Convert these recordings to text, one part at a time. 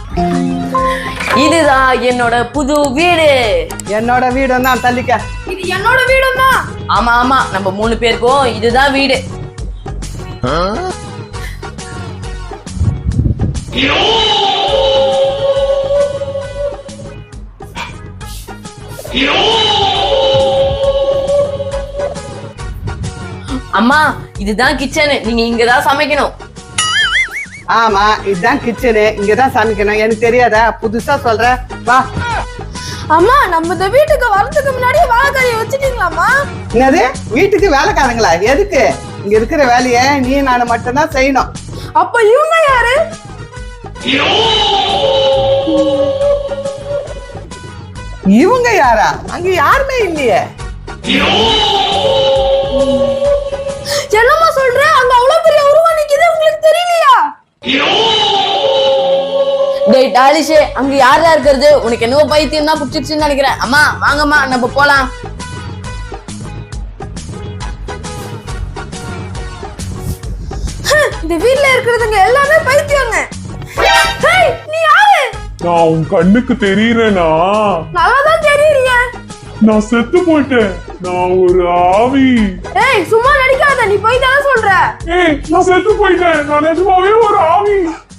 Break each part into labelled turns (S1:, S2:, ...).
S1: இதுதான் என்னோட புது வீடு.
S2: என்னோட வீடு தான் தள்ளிக்க.
S3: இது என்னோட வீடு தான்.
S1: ஆமா ஆமா, நம்ம 3 பேருக்கும் இதுதான் வீடு. அம்மா இதுதான் கிச்சன், நீங்க இங்கதான் சமைக்கணும்.
S2: ஆமா, இதுதான் கிச்சனு, இங்கதான் சமைக்கணும். எனக்கு தெரியாதா? புதுசா சொல்ற, வா.
S3: அம்மா நம்ம இந்த வீட்டுக்கு வரதுக்கு முன்னாடி வேலைக்காரியை வச்சுட்டீங்களாம்மா?
S2: என்னது வீட்டுக்கு வேலைக்காரங்களா? எதுக்கு? இங்க இருக்கிற வேலையை நீ நான் மட்டும்தான் செய்யணும்.
S3: அப்ப இவங்க யாரு?
S2: இவங்க யாரா? அங்க யாருமே இல்லையே.
S3: என்னம்மா சொல்ற? அங்க அவ்வளவு பெரிய உருவம் நிக்குது, உங்களுக்கு தெரியலையா?
S1: டேய் டாலிஷே, அங்க யாரா இருக்கிறது? உனக்கு என்னவோ பைத்தியம் தான் புடிச்சிருச்சுன்னு நினைக்கிறேன். அம்மா வாங்கம்மா, நம்ம போலாம்.
S3: இந்த வீட்ல இருக்கிறதுங்க எல்லாமே பைத்தியங்க. ஹேய், நீ யாரு?
S4: நான் உன் கண்ணுக்கு தெரியறேனா?
S3: நல்லாதான் தெரியறீங்க.
S4: நான் செத்து போயிட்டேன். நான் ஒரு ஆவி.
S3: ஏய் சும்மா நடிக்காத, நீ போய் தான சொல்ற.
S4: ஏய் நான் செத்து போயிட்டேன். நான் நிஜமாவே ஒரு ஆவி.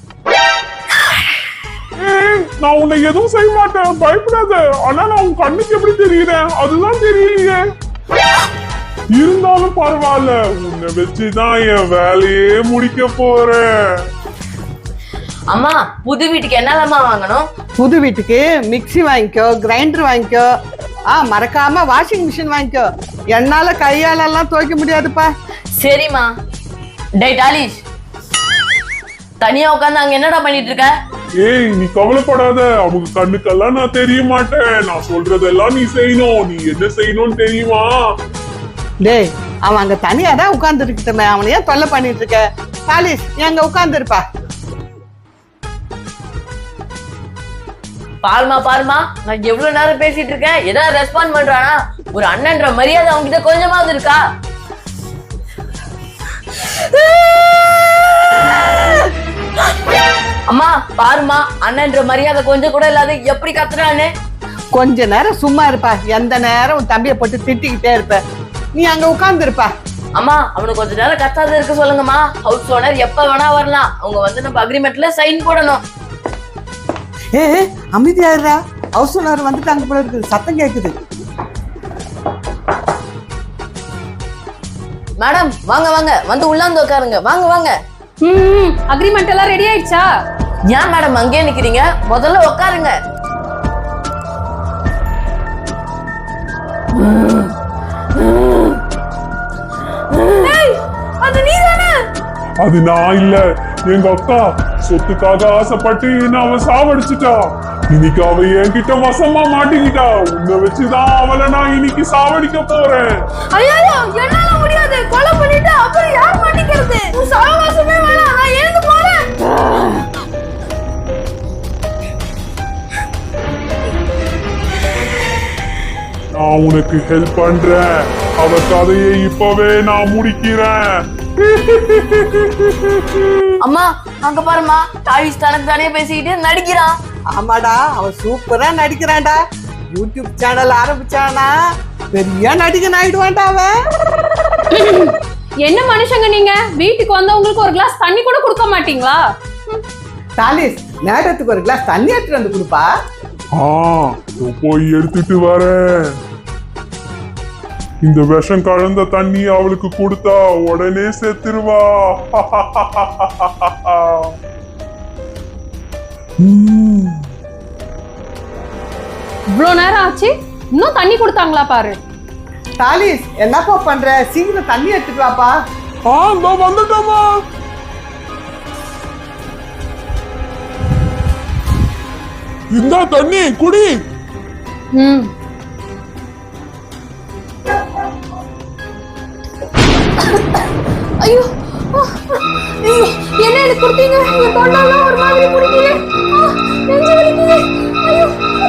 S4: ஏய் நான் உன்னை எதுவும் செய்ய மாட்டேன், பயப்படாத. ஆனா நான் உன் கண்ணுக்கு எப்படி தெரியுறேன்? அதுதான் தெரியலையே. இருந்தாலும் பரவாயில்ல, உன்னை வச்சுதான் என் வேலையே முடிக்க போறேன்.
S1: அம்மா புது வீட்டுக்கு என்னலாமா வாங்கணும்?
S2: புது வீட்டுக்கு மிக்ஸி வாங்கிக்கோ, கிரைண்டர் வாங்கிக்கோ, மறக்காம வாஷிங் மிஷின் வாங்கிக்கோ. என்னால கையால எல்லாம் துவைக்க முடியாதுப்பா.
S1: சரிம்மா. டேய் டாலிஷ், தனியா உட்காந்து அங்க என்னடா பண்ணிட்டு இருக்க?
S4: ஏய் நீ கவலைப்படாத, அவங்க கண்ணுக்கெல்லாம் நான் தெரிய மாட்டேன். நான் சொல்றதெல்லாம் நீ செய்யணும். நீ என்ன செய்யணும்னு தெரியுமா?
S2: டேய் அவன் அங்க தனியா தான் உட்கார்ந்து இருக்கட்டுமே, அவனை ஏன் தொல்லை பண்ணிட்டு இருக்க? தாலிஷ் நீ அங்க உட்கார்ந்து இருப்பா.
S1: பாருமா பாருமா, நான் எவ்வளவு நேரம் பேசிட்டு இருக்கேன், ஏதாவது ரெஸ்பாண்ட் பண்றானா? ஒரு அண்ணன்ற மரியாதை அவங்கிட்ட கொஞ்சமாவது இருக்கா? அம்மா பாருமா, அண்ணன்ற மரியாதை கொஞ்சம் கூட இல்லாத எப்படி கத்துறான்னு.
S2: கொஞ்ச நேரம் சும்மா இருப்பா. எந்த நேரம் உன் தம்பியை போட்டு திட்டிக்கிட்டே இருப்ப. நீ அங்க உட்கார்ந்து இருப்பா.
S1: அம்மா அவனுக்கு கொஞ்ச நேரம் கத்தாத இருக்க சொல்லுங்கம்மா. ஹவுஸ் ஓனர் எப்ப வேணா வரலாம். அவங்க வந்து நம்ம அக்ரிமெண்ட்ல சைன் போடணும்.
S2: ஏ அமைதியாடுறா, ஹவுஸ் ஓனர் வந்துட்டாங்க போல இருக்குது, சத்தம் கேக்குது.
S1: மேடம் வாங்க வாங்க, வந்து உள்ளாந்து உட்காருங்க. வாங்க வாங்க.
S3: அக்ரிமெண்ட் எல்லாம் ரெடி ஆயிடுச்சா?
S1: ஏன் மேடம் அங்கேயே நிக்கிறீங்க? முதல்ல உட்காருங்க.
S3: அது நீதானே?
S4: அது நான் இல்ல, எங்க அக்கா. சொத்துக்காக ஆசைப்பட்டு என்ன அவ சாவடிச்சுட்டா. இன்னைக்கு அவ என்கிட்ட வசமா மாட்டிக்கிட்டா. உன்னை வச்சுதான் அவளை நான் இன்னைக்கு சாவடிக்க போறேன்.
S3: ஐயோ என்னால முடியாது, கொலை பண்ணிட்டு அப்புறம் யார் மாட்டிக்கிறது? உன் சகவாசமே வேணாம், நான் எழுந்து போறேன்.
S4: நான் உனக்கு ஹெல்ப் பண்றேன். அவ கதையை இப்பவே நான் முடிக்கிறேன்.
S1: அம்மா அங்க பாருமா, டாலிஷ் தனக்கு தானே பேசிக்கிட்டு நடிக்கிறான்.
S2: ஆமாடா, அவன் சூப்பரா நடிக்கிறான்டா. யூடியூப் சேனல் ஆரம்பிச்சானா பெரிய நடிகன் ஆயிடுவான்டா அவன்.
S3: என்ன மனுஷங்க நீங்க? வீட்டுக்கு வந்தவங்களுக்கு ஒரு கிளாஸ் தண்ணி கூட கொடுக்க மாட்டீங்களா?
S2: தாலிஷ் நேரத்துக்கு ஒரு கிளாஸ் தண்ணி எடுத்துட்டு வந்து கொடுப்பா.
S4: போய் எடுத்துட்டு வரேன். இந்த விஷம் கலந்த தண்ணி அவளுக்கு கொடுத்தா உடனே செத்துருவா.
S3: இவ்வளவு நேரம் ஆச்சு, இன்னும் தண்ணி கொடுத்தாங்களா பாரு.
S2: தாலிஷ் என்னப்பா பண்ற? சீக்கிரம் தண்ணி எடுத்துட்டு வாப்பா.
S4: வந்துட்டோமா. இந்த தண்ணி குடி.
S3: ஐயோ ஐயோ, என்ன எனக்கு கொடுத்தீங்க? என் தொண்டெல்லாம் ஒரு மாதிரி குடிக்குது, நெஞ்சு வலிக்குது. ஐயோ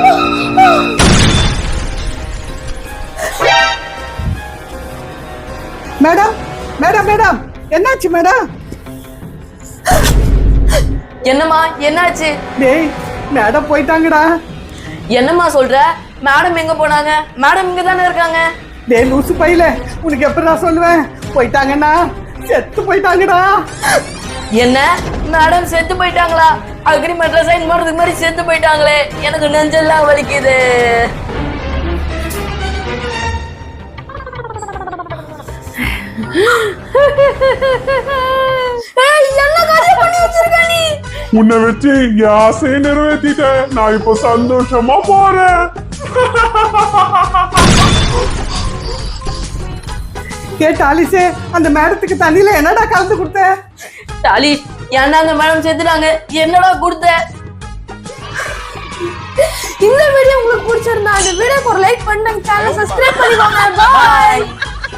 S2: மேடம் மேடம் மேடம், என்னாச்சு மேடம்?
S1: என்னம்மா என்னாச்சு?
S2: டேய் மேடம் போயிட்டாங்கடா.
S1: என்னம்மா சொல்ற? மேடம் எங்க போனாங்க? மேடம் இங்க தானே இருக்காங்க.
S2: டேய் லூசு பையில, உனக்கு எப்படி நான் சொல்லுவேன்? போயிட்டாங்கண்ணா, செத்து போயிட்டாங்கடா.
S1: என்ன மேடம் செத்து போயிட்டாங்களா? அக்ரிமெண்ட்ல சைன் பண்றதுக்கு மாதிரி செத்து போயிட்டாங்களே, எனக்கு நெஞ்செல்லாம் வலிக்குது.
S3: என்ன காரியம் பண்ணி வச்சிருக்க நீ?
S4: உன்னை வச்சு என் ஆசையை நிறைவேற்றிட்டேன். நான் இப்போ சந்தோஷமா போறேன்.
S2: கேட்ட ஆலிசே, அந்த மேடத்துக்கு தண்ணியில என்னடா கலந்து கொடுத்த?
S1: டாலி, ஏன்டாங்க மேடம் செத்துட்டாங்க? என்னடா கொடுத்த?
S3: இந்த வீடியோ உங்களுக்கு பிடிச்சிருந்தா இந்த வீடியோக்கு ஒரு லைக் பண்ணுங்க, சேனலை சப்ஸ்கிரைப் பண்ணிக்கோங்க. பாய்.